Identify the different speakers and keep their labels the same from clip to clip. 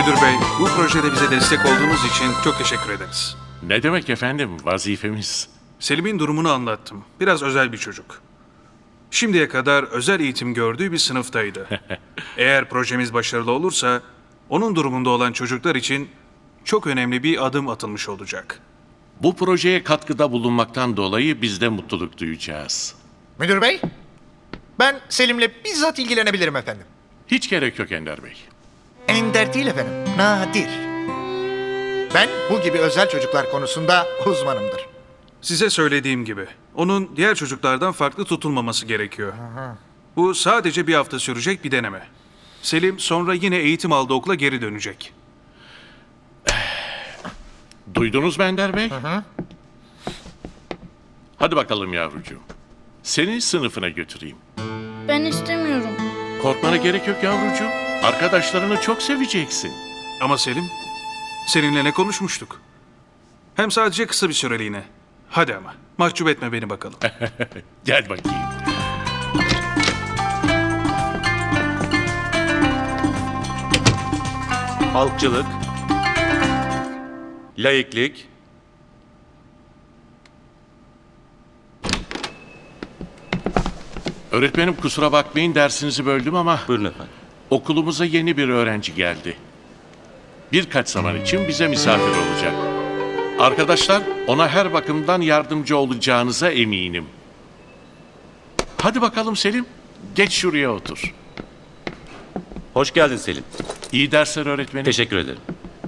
Speaker 1: Müdür bey, bu projede bize destek olduğunuz için çok teşekkür ederiz.
Speaker 2: Ne demek efendim, vazifemiz.
Speaker 1: Selim'in durumunu anlattım. Biraz özel bir çocuk. Şimdiye kadar özel eğitim gördüğü bir sınıftaydı. Eğer projemiz başarılı olursa, onun durumunda olan çocuklar için çok önemli bir adım atılmış olacak.
Speaker 2: Bu projeye katkıda bulunmaktan dolayı biz de mutluluk duyacağız.
Speaker 3: Müdür bey, ben Selim'le bizzat ilgilenebilirim efendim.
Speaker 2: Hiç gerek yok Ender Bey.
Speaker 3: Ender değil efendim, nadir. Ben bu gibi özel çocuklar konusunda uzmanımdır.
Speaker 1: Size söylediğim gibi, onun diğer çocuklardan farklı tutulmaması gerekiyor. Bu sadece bir hafta sürecek bir deneme. Selim sonra yine eğitim aldığı okula geri dönecek.
Speaker 2: Duydunuz mu Ender Bey? Hadi bakalım yavrucuğum. Seni sınıfına götüreyim.
Speaker 4: Ben istemiyorum.
Speaker 2: Korkmana gerek yok yavrucuğum. Arkadaşlarını çok seveceksin.
Speaker 1: Ama Selim, seninle ne konuşmuştuk? Hem sadece kısa bir süreliğine. Hadi ama, mahcup etme beni bakalım.
Speaker 2: Gel bakayım.
Speaker 5: Halkçılık, laiklik,
Speaker 2: Öğretmenim kusura bakmayın dersinizi böldüm ama
Speaker 5: buyurun efendim.
Speaker 2: okulumuza yeni bir öğrenci geldi. Birkaç zaman için bize misafir olacak. Arkadaşlar ona her bakımdan yardımcı olacağınıza eminim. Hadi bakalım Selim, geç şuraya otur.
Speaker 5: Hoş geldin Selim.
Speaker 2: İyi dersler öğretmenim.
Speaker 5: Teşekkür ederim.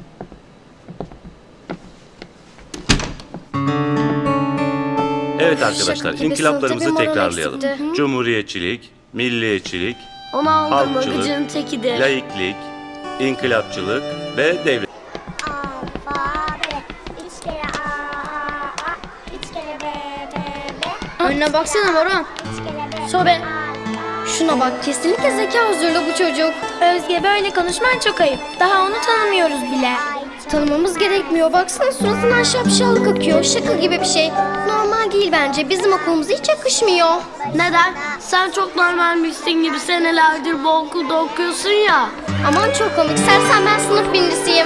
Speaker 5: Evet arkadaşlar,
Speaker 4: Şaka gibi
Speaker 5: inkılaplarımızı
Speaker 4: sınıfta bir moral
Speaker 5: tekrarlayalım.
Speaker 4: eksikti.
Speaker 5: Cumhuriyetçilik, milliyetçilik,
Speaker 4: Onu aldım mı
Speaker 5: Halkçılık,
Speaker 4: gıcığın tekidir.
Speaker 5: laiklik, inkılapçılık ve devlet.
Speaker 6: Alfabe, üç kere A, üç kere B,
Speaker 4: Önüne baksana Moran.
Speaker 6: üç kere B.
Speaker 4: Sobe. Şuna bak, kesinlikle zeka huzurlu bu çocuk.
Speaker 7: Özge böyle konuşman çok ayıp. Daha onu tanımıyoruz bile.
Speaker 4: Tanımamız gerekmiyor. Baksana suratından şapşallık akıyor. Şaka gibi bir şey. Normal değil bence. Bizim okulumuza hiç yakışmıyor.
Speaker 7: Neden? Sen çok normalmişsin gibi senelerdir bu okulda okuyorsun ya.
Speaker 4: Aman çok komik. Sersen ben sınıf birincisiyim.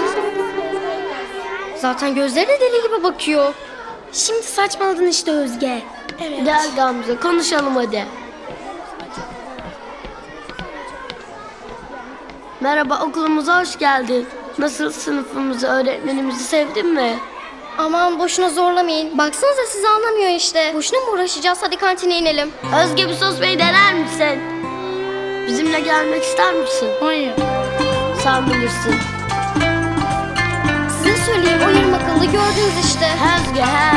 Speaker 4: Zaten gözleri de deli gibi bakıyor.
Speaker 7: Şimdi saçmaladın işte Özge. Gel Gamze konuşalım hadi. Merhaba, okulumuza hoş geldin. Nasıl, sınıfımızı, öğretmenimizi sevdin mi?
Speaker 4: Aman boşuna zorlamayın. Baksanıza sizi anlamıyor işte. Boşuna mı uğraşacağız? Hadi kantine inelim.
Speaker 7: Özge, bir sos bey dener misin? Bizimle gelmek ister misin? Hayır. Sen bilirsin.
Speaker 4: Size söyleyeyim o yarım akıllı gördünüz işte.
Speaker 7: Özge he.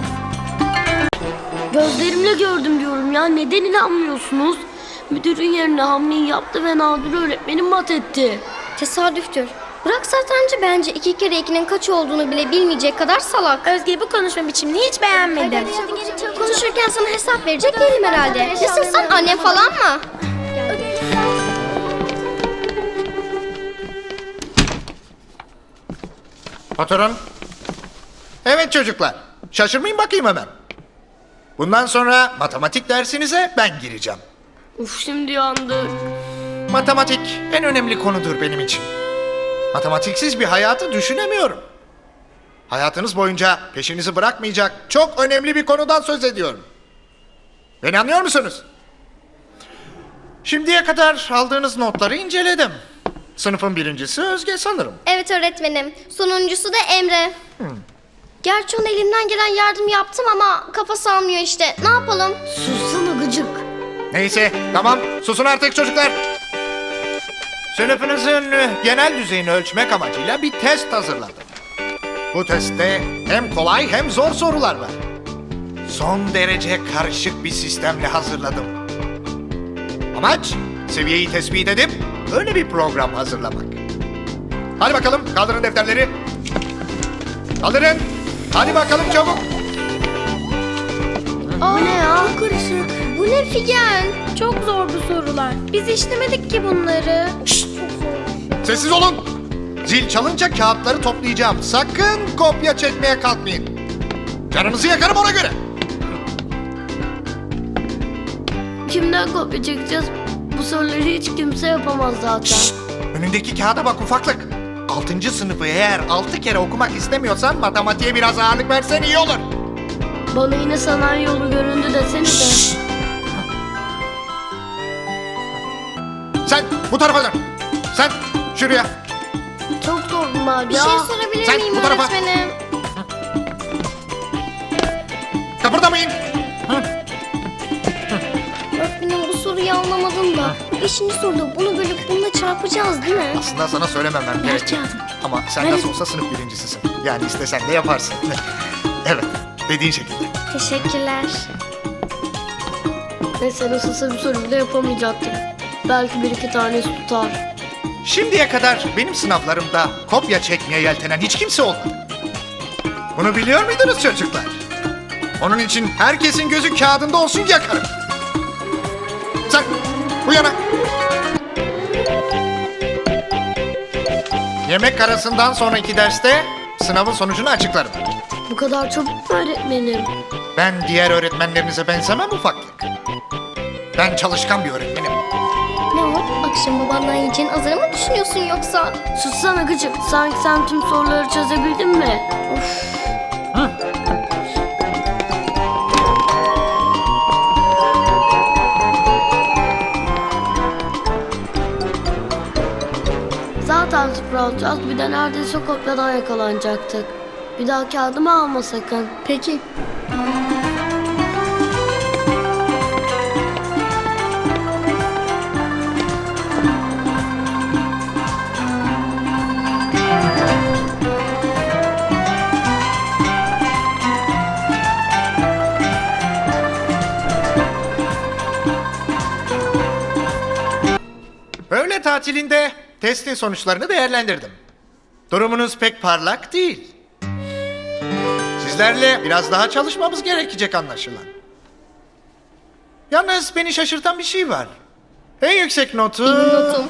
Speaker 7: Gözlerimle gördüm diyorum ya. Neden inanmıyorsunuz? Müdürün yerine hamleyi yaptı ve Nadir öğretmenim mat etti.
Speaker 4: Tesadüftür. Bırak satrancı bence 2 kere 2'nin kaç olduğunu bile bilmeyecek kadar salak.
Speaker 7: Özge, bu konuşma biçimini hiç beğenmedim.
Speaker 4: Konuşurken sana hesap verecek değilim herhalde. Nesin sen, annem falan mı?
Speaker 3: Patron. Evet çocuklar, şaşırmayın bakayım hemen. Bundan sonra matematik dersinize ben gireceğim.
Speaker 7: Uf, şimdi yandık.
Speaker 3: Matematik en önemli konudur benim için. Matematiksiz bir hayatı düşünemiyorum. Hayatınız boyunca peşinizi bırakmayacak çok önemli bir konudan söz ediyorum. Beni anlıyor musunuz? Şimdiye kadar aldığınız notları inceledim. Sınıfın birincisi Özge sanırım.
Speaker 4: Evet öğretmenim. Sonuncusu da Emre. Gerçi onun elinden gelen yardım yaptım ama kafası almıyor işte. Ne yapalım?
Speaker 7: Sussana gıcık.
Speaker 3: Neyse tamam susun artık çocuklar. Sınıfınızın genel düzeyini ölçmek amacıyla bir test hazırladım. Bu testte hem kolay hem zor sorular var. Son derece karışık bir sistemle hazırladım. Amaç seviyeyi tespit edip öyle bir program hazırlamak. Hadi bakalım kaldırın defterleri. Kaldırın. Hadi bakalım çabuk.
Speaker 7: Bu ne ya? Karışık.
Speaker 4: Bu ne Figen?
Speaker 7: Çok zor bu sorular. Biz işlemedik ki bunları.
Speaker 3: Sessiz olun. Zil çalınca kağıtları toplayacağım. Sakın kopya çekmeye kalkmayın. Canınızı yakarım ona göre.
Speaker 7: Kimden kopya çekeceğiz? Bu soruları hiç kimse yapamaz zaten.
Speaker 3: Önündeki kağıda bak ufaklık. 6. sınıfı eğer 6 kere okumak istemiyorsan matematiğe biraz ağırlık versen iyi olur.
Speaker 7: Bana yine sanayi yolu göründü desene de.
Speaker 3: Sen bu tarafa dön. Sen şuraya.
Speaker 7: Çok zor bunlar
Speaker 4: Bir
Speaker 7: ya.
Speaker 4: şey sorabilir
Speaker 3: Sen
Speaker 4: miyim
Speaker 3: bu tarafa.
Speaker 4: öğretmenim?
Speaker 3: Kıpırdamayın.
Speaker 4: Öğretmenim bu soruyu anlamadım da. 5. soruda bunu bölüp bununla çarpacağız değil mi?
Speaker 3: Aslında sana söylememem gerek. Ama sen nasıl olsa sınıf birincisisin. Yani istesen de yaparsın. Evet, dediğin şekilde.
Speaker 4: Teşekkürler.
Speaker 7: Neyse nasılsa bir soru bile yapamayacaktık. Belki bir iki tanesi tutar.
Speaker 3: Şimdiye kadar benim sınavlarımda kopya çekmeye yeltenen hiç kimse olmadı. Bunu biliyor muydunuz çocuklar? Onun için herkesin gözü kağıdında olsun yakarım. Sen bu yana. Yemek arasından sonraki derste sınavın sonucunu açıklarım.
Speaker 7: Bu kadar çabuk mu öğretmenim?
Speaker 3: Ben diğer öğretmenlerinize benzemem ufaklık. Ben çalışkan bir öğretmenim.
Speaker 4: Ne o? Akşam babandan yiyeceğin azarı mı düşünüyorsun yoksa?
Speaker 7: Sussana gıcık. Sanki sen tüm soruları çözebildin mi? Zaten sıfır alacağız. Bir de neredeyse kopyadan yakalanacaktık. Bir daha kağıdımı alma sakın.
Speaker 4: Peki.
Speaker 3: Öğle tatilinde testin sonuçlarını değerlendirdim. Durumunuz pek parlak değil. Sizlerle biraz daha çalışmamız gerekecek anlaşılan. Yalnız beni şaşırtan bir şey var. En yüksek notu...
Speaker 4: Notum.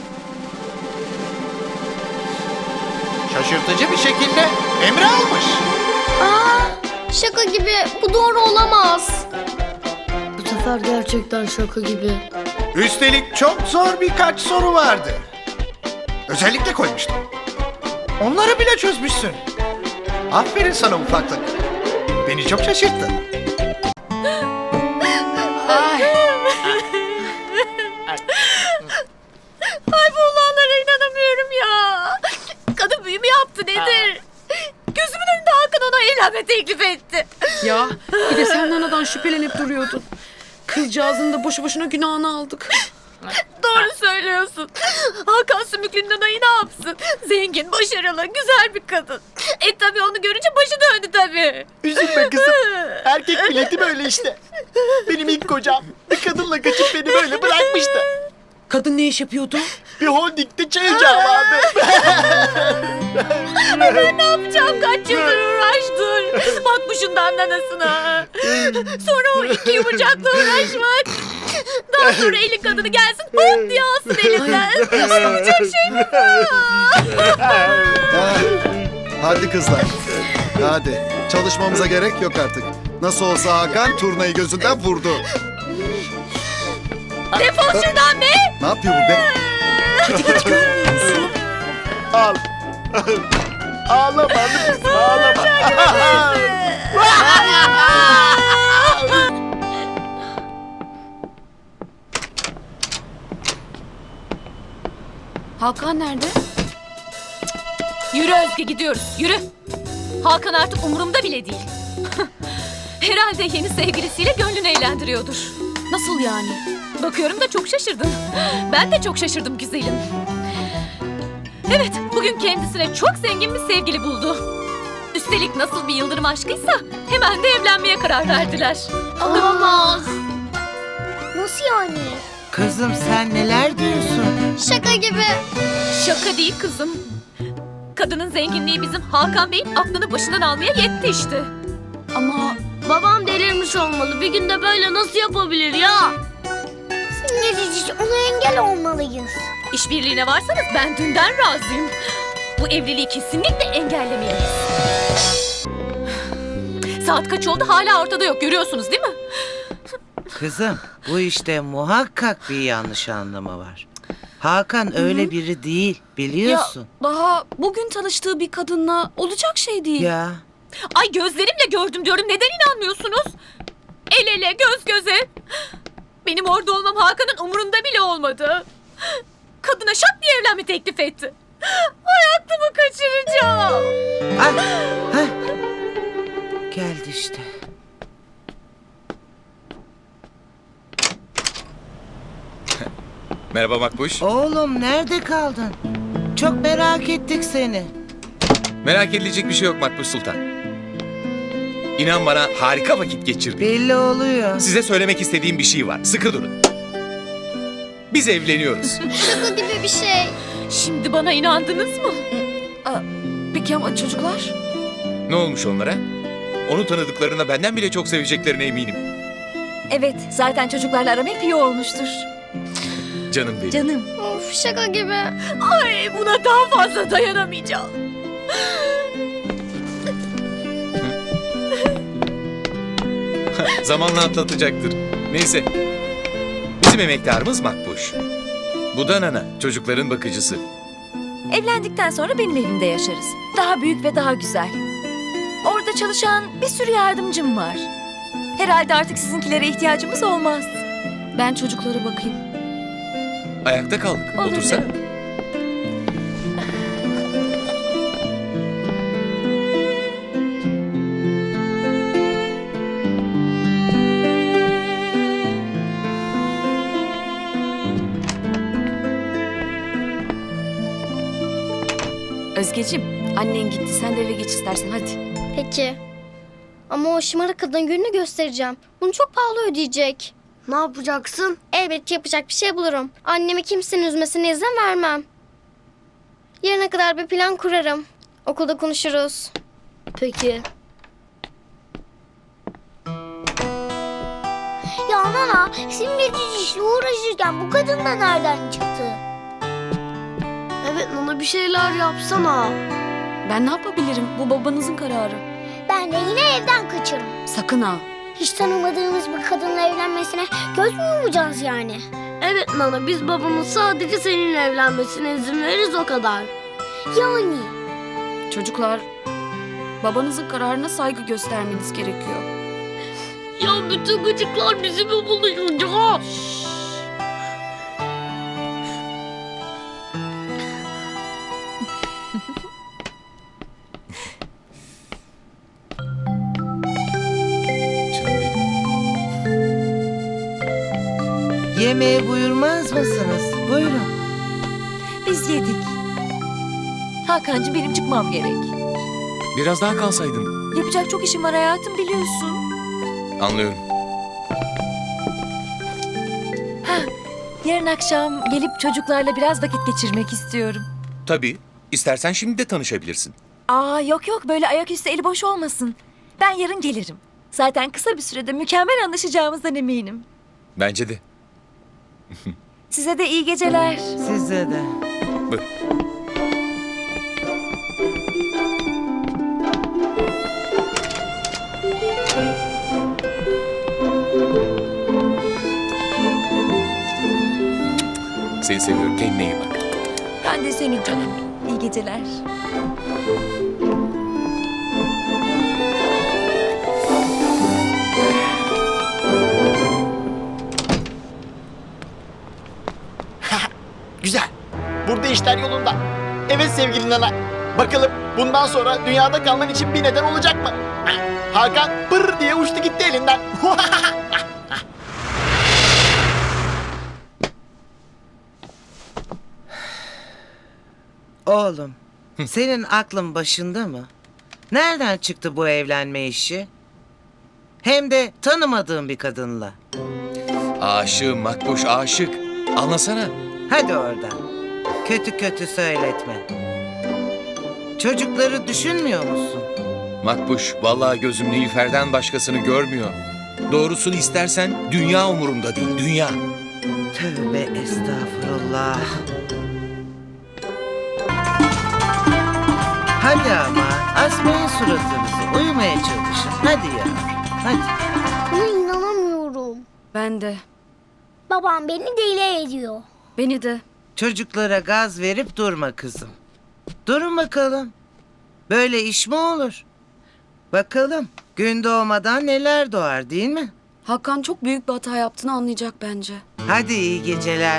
Speaker 3: Şaşırtıcı bir şekilde Emre almış.
Speaker 4: Şaka gibi. Bu doğru olamaz.
Speaker 7: Bu sefer gerçekten şaka gibi.
Speaker 3: Üstelik çok zor birkaç soru vardı. Özellikle koymuştum. Onları bile çözmüşsün. Aferin sana ufaklık. Beni çok şaşırttın.
Speaker 8: Ay bu olanlara inanamıyorum ya. Kadın büyü mü yaptı nedir? Gözümün önünde Hakan ona evlenme teklif etti.
Speaker 9: Ya bir de sen anadan şüphelenip duruyordun. Kızcağızın da boşu boşuna günahını aldık.
Speaker 8: Doğru söylüyorsun. Hakan Sümüklü'nün anayı ne yapsın? Zengin, başarılı, güzel bir kadın. Tabii onu görünce başı döndü tabii.
Speaker 10: Üzülme kızım. Erkek milleti böyle işte. Benim ilk kocam bir kadınla kaçıp beni böyle bırakmıştı.
Speaker 9: Kadın ne iş yapıyordu?
Speaker 10: Bir holdingde çay ocağı vardı.
Speaker 8: Ben ne yapacağım? Kaç yıldır uğraştım. Bak bu şundan anasına. Sonra o iki yumurcakla uğraşmak. Daha sonra eli kadını gelsin hop diye alsın elinden. Olacak şey mi bu?
Speaker 11: Hadi kızlar. Hadi. Çalışmamıza gerek yok artık. Nasıl olsa Hakan turnayı gözünden vurdu.
Speaker 8: Defol şuradan be.
Speaker 11: Ne yapıyor bu be?
Speaker 10: Al. Ağlama kızım ağlama.
Speaker 8: Hakan nerede? Yürü Özge gidiyoruz yürü. Hakan artık umurumda bile değil. Herhalde yeni sevgilisiyle gönlünü eğlendiriyordur. Nasıl yani? Bakıyorum da çok şaşırdın. Ben de çok şaşırdım güzelim. Evet, bugün kendisine çok zengin bir sevgili buldu. Üstelik nasıl bir yıldırım aşkıysa hemen de evlenmeye karar verdiler.
Speaker 4: Olamaz. Nasıl yani?
Speaker 10: Kızım sen neler diyorsun?
Speaker 4: Şaka gibi.
Speaker 8: Şaka değil kızım. Kadının zenginliği bizim Hakan Bey'in aklını başından almaya yetti işte.
Speaker 7: Ama babam delirmiş olmalı. Bir günde böyle nasıl yapabilir ya?
Speaker 6: Ne diyeceğiz? Ona engel olmalıyız.
Speaker 8: İşbirliğine varsanız ben dünden razıyım. Bu evliliği kesinlikle engellemeliyiz. Saat kaç oldu hala ortada yok görüyorsunuz değil mi?
Speaker 10: Kızım bu işte muhakkak bir yanlış anlama var.
Speaker 12: Hakan öyle biri değil, biliyorsun.
Speaker 8: Daha bugün tanıştığı bir kadınla olacak şey değil.
Speaker 12: Ya.
Speaker 8: Ay gözlerimle gördüm diyorum. Neden inanmıyorsunuz? El ele, göz göze. Benim orada olmam Hakan'ın umurunda bile olmadı. Kadına şak diye evlenme teklif etti. Ay aklımı kaçıracağım.
Speaker 12: Geldi işte.
Speaker 13: Merhaba Makbuş.
Speaker 12: Oğlum nerede kaldın? Çok merak ettik seni.
Speaker 13: Merak edilecek bir şey yok Makbuş Sultan. İnan bana harika vakit geçirdik.
Speaker 12: Belli oluyor.
Speaker 13: Size söylemek istediğim bir şey var. Sıkı durun. Biz evleniyoruz.
Speaker 4: Şaka gibi bir şey.
Speaker 8: Şimdi bana inandınız mı? Peki ama çocuklar?
Speaker 13: Ne olmuş onlara? Onu tanıdıklarına benden bile çok seveceklerine eminim.
Speaker 8: Evet, zaten çocuklarla aram hep iyi olmuştur.
Speaker 13: Canım benim.
Speaker 8: Canım.
Speaker 4: Of şaka gibi.
Speaker 8: Ay buna daha fazla dayanamayacağım.
Speaker 13: Zamanla atlatacaktır. Neyse. Bizim emektarımız Makbuş. Bu da Nana, çocukların bakıcısı.
Speaker 8: Evlendikten sonra benim evimde yaşarız. Daha büyük ve daha güzel. Orada çalışan bir sürü yardımcım var. Herhalde artık sizinkilere ihtiyacımız olmaz. Ben çocuklara bakayım.
Speaker 13: Ayakta kaldık.
Speaker 8: Olur
Speaker 13: Otursana.
Speaker 8: canım. Özgeciğim, annen gitti. Sen de eve geç istersen hadi.
Speaker 4: Peki. Ama o şımarık kadın gününü göstereceğim. Bunu çok pahalı ödeyecek.
Speaker 7: Ne yapacaksın?
Speaker 4: Elbet yapacak bir şey bulurum. Annemi kimsenin üzmesine izin vermem. Yarına kadar bir plan kurarım. Okulda konuşuruz.
Speaker 7: Peki.
Speaker 6: Ya Nana, simgeci işle uğraşırken bu kadın da nereden çıktı?
Speaker 7: Evet Nana bir şeyler yapsana.
Speaker 8: Ben ne yapabilirim? Bu babanızın kararı.
Speaker 6: Ben de yine evden kaçarım.
Speaker 8: Sakın ha.
Speaker 6: Hiç tanımadığımız bir kadınla evlenmesine göz mü yumacağız yani?
Speaker 7: Evet Nana biz babamın sadece seninle evlenmesine izin veririz o kadar.
Speaker 6: Yani.
Speaker 8: Çocuklar, babanızın kararına saygı göstermeniz gerekiyor.
Speaker 7: Ya bütün gıcıklar bizimle buluşacak.
Speaker 13: Canım benim.
Speaker 12: Yemeğe buyurmaz mısınız? Buyurun.
Speaker 8: Biz yedik. Hakan'cığım benim çıkmam gerek.
Speaker 13: Biraz daha kalsaydın.
Speaker 8: Yapacak çok işim var hayatım biliyorsun.
Speaker 13: Anlıyorum.
Speaker 8: Yarın akşam gelip çocuklarla biraz vakit geçirmek istiyorum.
Speaker 13: Tabii. İstersen şimdi de tanışabilirsin.
Speaker 8: Aa yok yok böyle ayaküstü eli boş olmasın. Ben yarın gelirim. Zaten kısa bir sürede mükemmel anlaşacağımızdan eminim.
Speaker 13: Bence de.
Speaker 8: Size de iyi geceler.
Speaker 12: Size de.
Speaker 13: Buyur. Seni seviyorum. Kendine iyi bak.
Speaker 8: Ben de senin canım. İyi geceler.
Speaker 10: Güzel. Burada işler yolunda. Evet sevgili Nana. Bakalım bundan sonra dünyada kalman için bir neden olacak mı? Hakan pır diye uçtu gitti elinden.
Speaker 12: Oğlum, senin aklın başında mı? Nereden çıktı bu evlenme işi? Hem de tanımadığın bir kadınla.
Speaker 13: Aşığım Makbuş, aşık. Anlasana.
Speaker 12: Hadi oradan. Kötü kötü söyletme. Çocukları düşünmüyor musun?
Speaker 13: Makbuş, vallahi gözüm Nilüfer'den başkasını görmüyor. Doğrusunu istersen dünya umurumda değil, dünya.
Speaker 12: Tövbe estağfurullah. Hadi ama asmayın suratınızı. Uyumaya çalışın. Hadi ya. Hadi.
Speaker 6: Buna inanamıyorum.
Speaker 8: Ben de.
Speaker 6: Babam beni deli ediyor.
Speaker 8: Beni de.
Speaker 12: Çocuklara gaz verip durma kızım. Durun bakalım. Böyle iş mi olur? Bakalım gün doğmadan neler doğar değil mi?
Speaker 9: Hakan çok büyük bir hata yaptığını anlayacak bence.
Speaker 12: Hadi iyi geceler.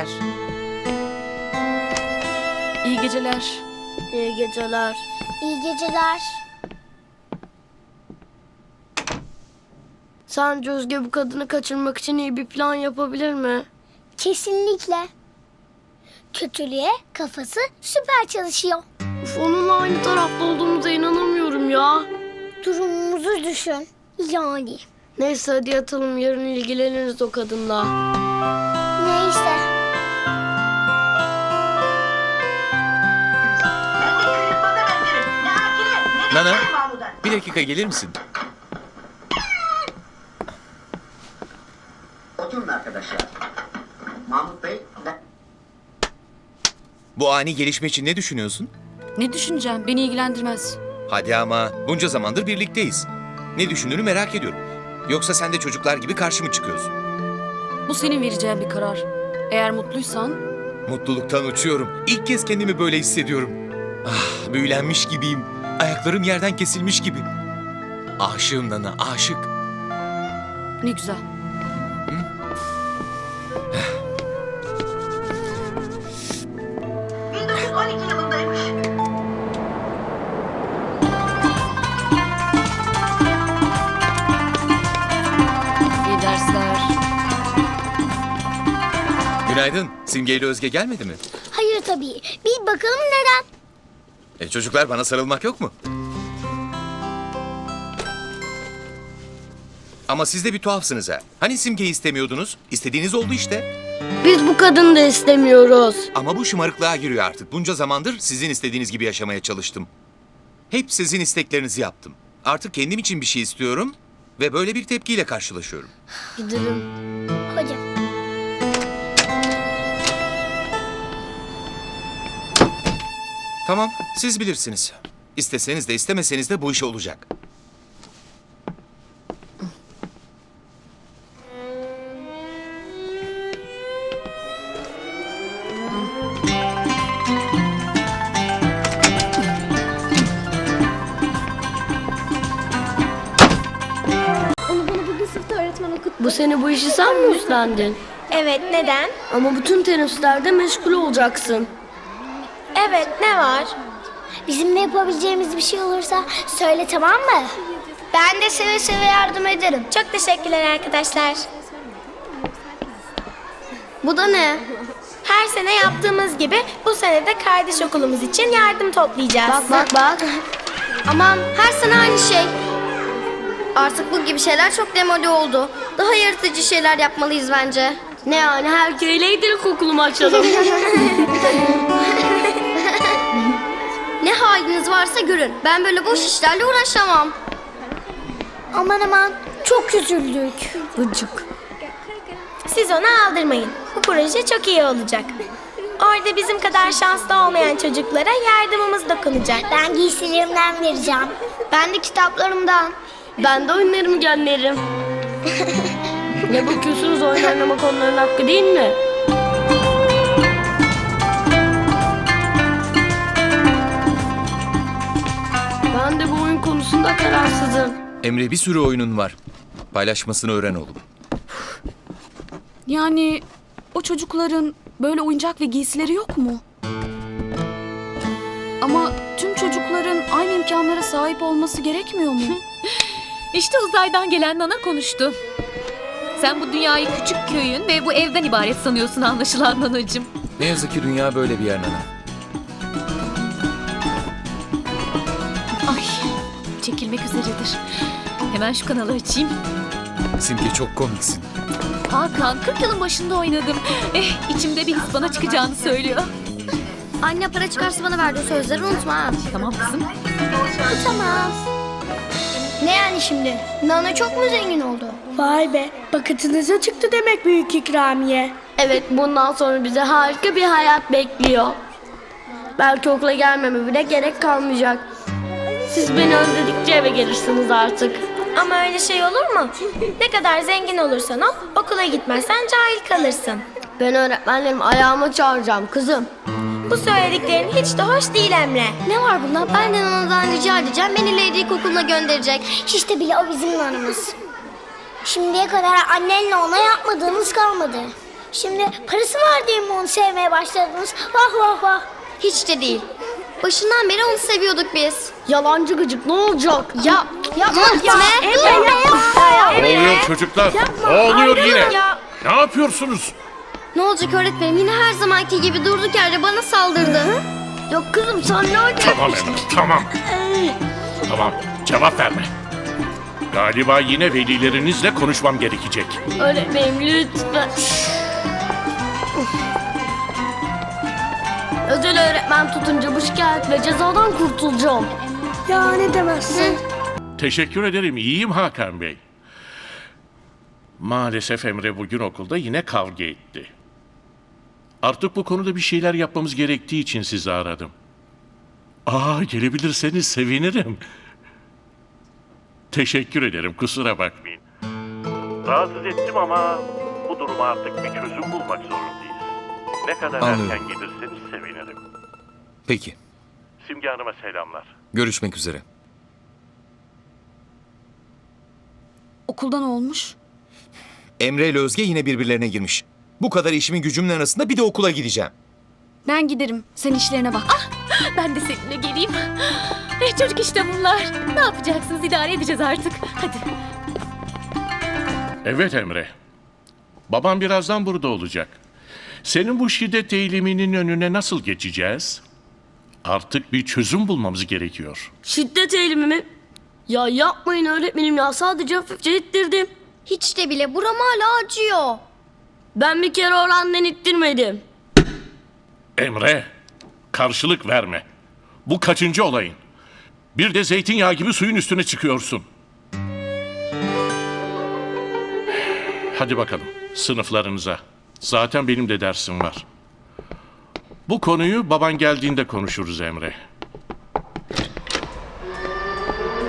Speaker 9: İyi geceler.
Speaker 6: İyi geceler. İyi geceler.
Speaker 7: Sence Özge bu kadını kaçırmak için iyi bir plan yapabilir mi?
Speaker 6: Kesinlikle. Kötülüğe kafası süper çalışıyor.
Speaker 7: Uf, onunla aynı tarafta olduğumuza inanamıyorum ya.
Speaker 6: Durumumuzu düşün. Yani.
Speaker 7: Neyse hadi yatalım, yarın ilgileniriz o kadınla.
Speaker 6: Neyse.
Speaker 13: Nana, bir dakika gelir misin?
Speaker 14: Oturun arkadaşlar. Mahmut Bey,
Speaker 13: Bu ani gelişme için ne düşünüyorsun?
Speaker 9: Ne düşüneceğim? Beni ilgilendirmez.
Speaker 13: Hadi ama bunca zamandır birlikteyiz. Ne düşündüğünü merak ediyorum. Yoksa sen de çocuklar gibi karşı mı çıkıyorsun?
Speaker 9: Bu senin vereceğin bir karar. Eğer mutluysan...
Speaker 13: Mutluluktan uçuyorum. İlk kez kendimi böyle hissediyorum. Ah, büyülenmiş gibiyim. Ayaklarım yerden kesilmiş gibi. Aşığım Nana, aşık.
Speaker 9: Ne güzel. İyi dersler.
Speaker 13: Günaydın. Simge ile Özge gelmedi mi?
Speaker 6: Hayır tabii. Bir bakalım neden?
Speaker 13: Çocuklar bana sarılmak yok mu? Ama siz de bir tuhafsınız ha. Hani Simge'yi istemiyordunuz? İstediğiniz oldu işte.
Speaker 7: Biz bu kadını da istemiyoruz.
Speaker 13: Ama bu şımarıklığa giriyor artık. Bunca zamandır sizin istediğiniz gibi yaşamaya çalıştım. Hep sizin isteklerinizi yaptım. Artık kendim için bir şey istiyorum ve böyle bir tepkiyle karşılaşıyorum.
Speaker 7: Gidelim.
Speaker 6: Hocam.
Speaker 13: Tamam, siz bilirsiniz. İsteseniz de istemeseniz de bu iş olacak.
Speaker 7: Bu sene bu işi sen mi üstlendin?
Speaker 6: Evet, neden?
Speaker 7: Ama bütün teneffüslerde meşgul olacaksın.
Speaker 6: Evet, ne var? Bizimle yapabileceğimiz bir şey olursa söyle, tamam mı? Ben de seve seve yardım ederim. Çok teşekkürler arkadaşlar.
Speaker 7: Bu da ne?
Speaker 6: Her sene yaptığımız gibi bu sene de kardeş okulumuz için yardım toplayacağız.
Speaker 7: Bak.
Speaker 4: Aman her sene aynı şey. Artık bu gibi şeyler çok demode oldu. Daha yaratıcı şeyler yapmalıyız bence.
Speaker 7: Ne yani, her köyle gidelim okulumu açalım.
Speaker 4: Ne haliniz varsa görün. Ben böyle boş işlerle uğraşamam.
Speaker 6: Aman, çok üzüldük.
Speaker 7: Gıcık.
Speaker 6: Siz onu aldırmayın. Bu proje çok iyi olacak. Orada bizim kadar şanslı olmayan çocuklara yardımımız dokunacak. Ben giysilerimden vereceğim.
Speaker 4: Ben de kitaplarımdan.
Speaker 7: Ben de oyunlarımı gönderirim. Ne bakıyorsunuz, oyun oynamak onların hakkı değil mi? Ben de bu oyun konusunda kararsızım.
Speaker 13: Emre, bir sürü oyunun var. Paylaşmasını öğren oğlum.
Speaker 9: Yani o çocukların böyle oyuncak ve giysileri yok mu? Ama tüm çocukların aynı imkanlara sahip olması gerekmiyor mu?
Speaker 8: İşte uzaydan gelen Nana konuştu. Sen bu dünyayı küçük köyün ve bu evden ibaret sanıyorsun anlaşılan Nanacığım.
Speaker 13: Ne yazık ki dünya böyle bir yer Nana.
Speaker 8: Ay, çekilmek üzeredir. Hemen şu kanalı açayım.
Speaker 13: Simge, çok komiksin.
Speaker 8: Hakan, 40 yılın başında oynadım. İçimde bir his bana çıkacağını söylüyor.
Speaker 4: Anne para çıkarsa bana verdiği sözleri unutma ha.
Speaker 8: Tamam kızım.
Speaker 6: Tamam.
Speaker 4: Ne yani şimdi? Nana çok mu zengin oldu?
Speaker 6: Vay be, paketinize çıktı demek büyük ikramiye.
Speaker 7: Evet, bundan sonra bize harika bir hayat bekliyor. Belki okula gelmeme bile gerek kalmayacak. Siz beni özledikçe eve gelirsiniz artık.
Speaker 6: Ama öyle şey olur mu? Ne kadar zengin olursan ol, okula gitmezsen cahil kalırsın.
Speaker 7: Ben öğretmenlerim ayağıma çağıracağım kızım.
Speaker 6: Bu söylediklerin hiç de hoş değil Emre.
Speaker 4: Ne var bunda? Ben de Nana'dan rica edeceğim. Beni Leydi İlkokulu'na gönderecek.
Speaker 15: Hiç de bile o bizim Nana'mız. Şimdiye kadar annenle ona yapmadığınız kalmadı. Şimdi parası var diye mi onu sevmeye başladınız? Vah vah vah.
Speaker 4: Hiç de değil. Başından beri onu seviyorduk biz.
Speaker 7: Yalancı gıcık ne olacak?
Speaker 4: Yapma.
Speaker 2: Ne oluyor çocuklar? Ne oluyor yine? Ne yapıyorsunuz?
Speaker 4: Ne olacak öğretmenim? Yine her zamanki gibi durduk yerde bana saldırdı.
Speaker 7: Yok kızım sen ne
Speaker 2: Tamam Emre, tamam. Tamam, cevap verme. Galiba yine velilerinizle konuşmam gerekecek.
Speaker 7: Öğretmenim lütfen. Özel öğretmen tutunca bu şikayet ve cezadan kurtulacağım.
Speaker 15: Ya ne demezsin.
Speaker 2: Teşekkür ederim, iyiyim Hakan Bey. Maalesef Emre bugün okulda yine kavga etti. Artık bu konuda bir şeyler yapmamız gerektiği için sizi aradım. Gelebilirseniz sevinirim. Teşekkür ederim, kusura bakmayın. Rahatsız ettim ama bu duruma artık bir çözüm bulmak zorundayız. Ne kadar
Speaker 13: Anlıyorum.
Speaker 2: erken gelirseniz sevinirim.
Speaker 13: Peki.
Speaker 2: Simge Hanım'a selamlar.
Speaker 13: Görüşmek üzere.
Speaker 9: Okulda ne olmuş?
Speaker 13: Emre ile Özge yine birbirlerine girmiş. Bu kadar işimin gücümün arasında bir de okula gideceğim.
Speaker 9: Ben giderim. Sen işlerine bak.
Speaker 8: Ben de seninle geleyim. Çocuk işte bunlar. Ne yapacaksınız? İdare edeceğiz artık. Hadi.
Speaker 2: Evet Emre. Babam birazdan burada olacak. Senin bu şiddet eğiliminin önüne nasıl geçeceğiz? Artık bir çözüm bulmamız gerekiyor.
Speaker 7: Şiddet eğilimi mi? Ya yapmayın öğretmenim ya sadece hafifçe ittirdim.
Speaker 4: Hiç de bile buram hala acıyor.
Speaker 7: Ben bir kere orandan ittirmedim.
Speaker 2: Emre, karşılık verme. Bu kaçıncı olayın? Bir de zeytinyağı gibi suyun üstüne çıkıyorsun. Hadi bakalım, sınıflarınıza. Zaten benim de dersim var. Bu konuyu baban geldiğinde konuşuruz Emre.